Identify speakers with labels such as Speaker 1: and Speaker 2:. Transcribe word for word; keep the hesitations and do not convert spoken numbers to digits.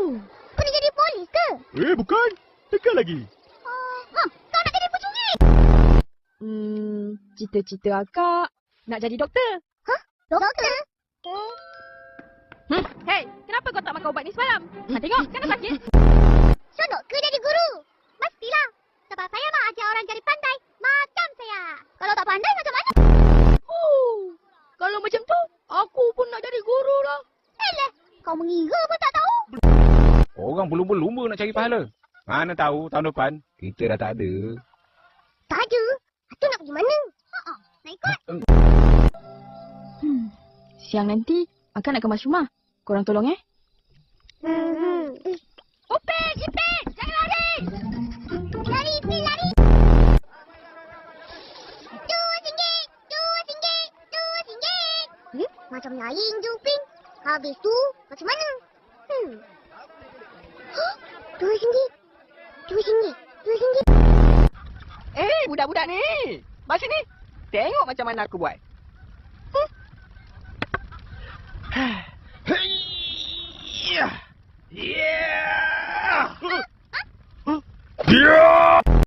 Speaker 1: Oh, kau nak jadi polis ke?
Speaker 2: Eh, bukan. Tekan lagi.
Speaker 1: Uh, ha, kau nak jadi pencuri?
Speaker 3: Hmm, cita-cita akak nak jadi doktor.
Speaker 1: Hah? Doktor?
Speaker 3: Hmm, hey, kenapa kau tak makan ubat ni semalam? Ha, tengok, kan dah sakit?
Speaker 1: Seronok ke jadi guru? Mestilah. Sebab saya nak ajar orang jadi pandai macam saya. Kalau tak pandai macam mana?
Speaker 3: Oh, kalau macam tu, aku pun nak jadi guru lah.
Speaker 1: Elah, kau mengira pun tak tahu.
Speaker 4: Orang berlumba-lumba nak cari pahala. Mana tahu tahun depan kita dah tak ada.
Speaker 1: Tak ada. Itu nak pergi mana? Ha-ha, nak ikut?
Speaker 3: Hmm, siang nanti akak nak kemas rumah. Korang tolong eh.
Speaker 1: Hmm.
Speaker 3: Upik, Ipik, jangan lari.
Speaker 1: Lari, Ipin, lari. Dua singgit, dua singgit, dua singgit. Hmm? Macam lain je, Upin. Habis tu, macam mana? Hmm. Huh? Dua singgit, dua singgit, dua singgit.
Speaker 3: Eh, budak-budak ni. Mari sini. Tengok macam mana aku buat. Hmm.
Speaker 4: Yeah. Yeah. Yeah.